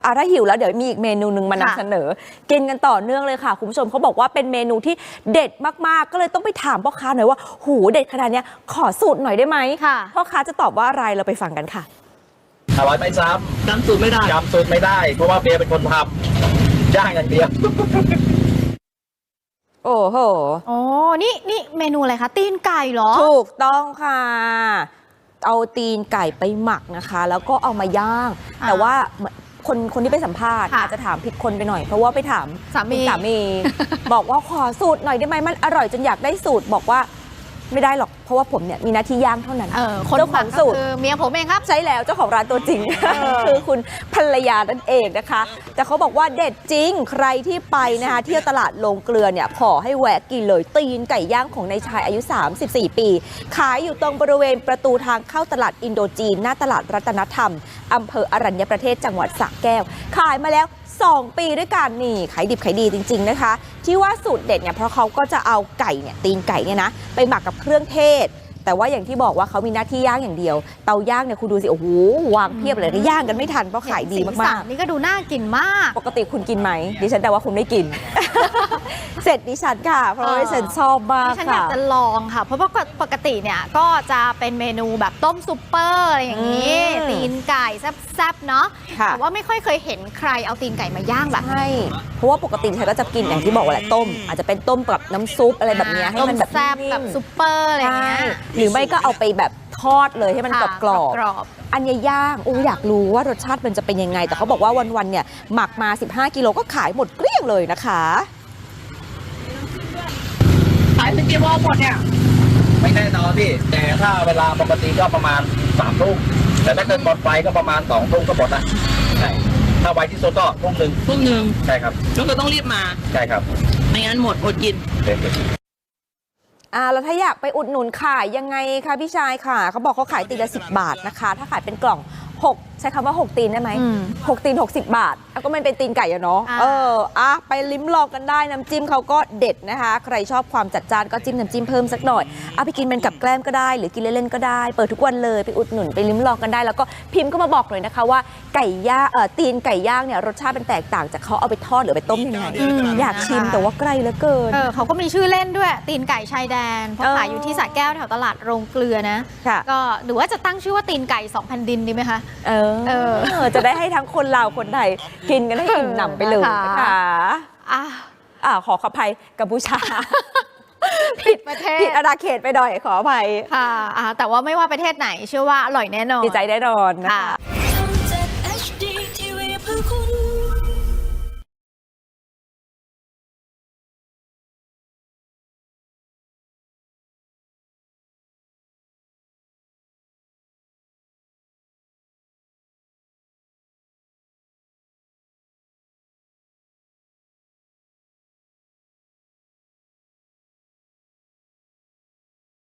ถ้าหิวแล้วเดี๋ยวมีอีกเมนูหนึ่งมานำเสนอกินกันต่อเนื่องเลยค่ะคุณผู้ชมเขาบอกว่าเป็นเมนูที่เด็ดมากๆก็เลยต้องไปถามพ่อค้าหน่อยว่าหูเด็ดขนาดนี้ขอสูตรหน่อยได้ไหมพ่อค้าจะตอบว่าอะไรเราไปฟังกันค่ะอร่อยไม่ซ้ำจำสูตรไม่ได้เพราะว่าเบียร์เป็นคนทำย่างอย่างเดียวโอ้โหนี่เมนูอะไรคะตีนไก่เหรอถูกต้องค่ะเอาตีนไก่ไปหมักนะคะแล้วก็เอามาย่างแต่ว่าคนที่ไปสัมภาษณ์อาจจะถามผิดคนไปหน่อยเพราะว่าไปถามสามีบอกว่าขอสูตรหน่อยได้ไหมมันอร่อยจนอยากได้สูตรบอกว่าไม่ได้หรอกเพราะว่าผมเนี่ยมีหน้าที่ย่างเท่านั้นเจ้าของสูตรคือเมียผมเองครับใช่แล้วเจ้าของร้านตัวจริงคือคุณภรรยานั่นเองนะคะแต่เขาบอกว่าเด็ดจริงใครที่ไปนะคะเที่ยวตลาดโรงเกลือเนี่ยขอให้แวะกินเลยตีนไก่ย่างของนายชายอายุ34ปีขายอยู่ตรงบริเวณประตูทางเข้าตลาดอินโดจีนหน้าตลาดรัตนธรรมอำเภออรัญญประเทศจังหวัดสระแก้วขายมาแล้ว2 ปีด้วยกันนี่ขายดิบขายดีจริงๆนะคะที่ว่าสูตรเด็ดเนี่ยเพราะเขาก็จะเอาไก่เนี่ยตีนไก่เนี่ยนะไปหมักกับเครื่องเทศแต่ว่าอย่างที่บอกว่าเขามีหน้าที่ย่างอย่างเดียวเตาย่างเนี่ยคุณดูสิโอ้โหวางเพียบเลยย่างกันไม่ทันเพราะขายดีมากๆนี่ก็ดูน่ากินมากปกติคุณกินไหมดิฉันแต่ว่าคุณไม่กิน เสร็จดิฉันค่ะเพราะว่าดิฉันชอบมากค่ะดิฉันอยากจะลองค่ะเพราะว่าปกติเนี่ยก็จะเป็นเมนูแบบต้มซุปเปอร์อะไรอย่างนี้ตีนไก่แซ่บๆเนาะแต่ว่าไม่ค่อยเคยเห็นใครเอาตีนไก่มาย่างแบบใช่เพราะว่าปกติฉันก็จะกินอย่างที่บอกว่าแหละต้มอาจจะเป็นต้มกับน้ำซุปอะไรแบบนี้ให้มันแบบแซ่บแบบซุปเปอร์อะไรอย่างเงี้ยหรือไม่ก็เอาไปแบบทอดเลยให้มันกรอบอันนี้ย่างอยากรู้ว่ารสชาติมันจะเป็นยังไงแต่เขาบอกว่าวันๆเนี่ยหมักมา15 กิโลก็ขายหมดเกลี้ยงเลยนะคะขายเป็นกี่โมงหมดเนี่ยไม่แน่นอนพี่แต่ถ้าเวลาปกติก็ประมาณ3 ทุ่มแต่ถ้าเกิดหมดไฟก็ประมาณ2 ทุ่มก็หมดนะใช่ถ้าไวที่สุดก็ทุ่มหนึ่งใช่ครับก็ต้องรีบมาใช่ครับไม่งั้นหมดอดกินแล้วถ้าอยากไปอุดหนุนขายยังไงคะพี่ชายค่ะเขาบอกเขาขายตีละ10 บาทนะคะถ้าขายเป็นกล่อง6ใช้คำว่า6 ตีนได้ไหม6 ตีน60 บาทแล้วก็มันเป็นตีนไก่อะเนาะไปลิ้มลองกันได้น้ำจิ้มเขาก็เด็ดนะคะใครชอบความจัดจ้านก็จิ้มน้ำจิ้มเพิ่มสักหน่อยไปกินเป็นกับแกล้มก็ได้หรือกินเล่นๆก็ได้เปิดทุกวันเลยไปอุดหนุนไปลิ้มลองกันได้แล้วก็พิมพ์ก็มาบอกเลยนะคะว่าไก่ย่างตีนไก่ย่างเนี่ยรสชาติเป็นแตกต่างจากเขาเอาไปทอดหรือไปต้มยังไงอยากชิมแต่ว่าไกลเหลือเกินเขาก็มีชื่อเล่นด้วยตีนไก่ชายแดนเพราะขายอยู่ที่สระแก้วแถวตลาดโรงเกลือนะก็หรือว่าจะตั้งชื่อว่าตีนไก่2 แผ่นดินดีไหมคะจะได้ให้ทั้งคนลาวคนไทยกินกันให้อิ่มหนำไปเลยนะคะขออภัยกัมพูชาผิดประเทศผิดอาณาเขตไปหน่อยขออภัยค่ะแต่ว่าไม่ว่าประเทศไหนเชื่อว่าอร่อยแน่นอนดีใจแน่นอนนะคะ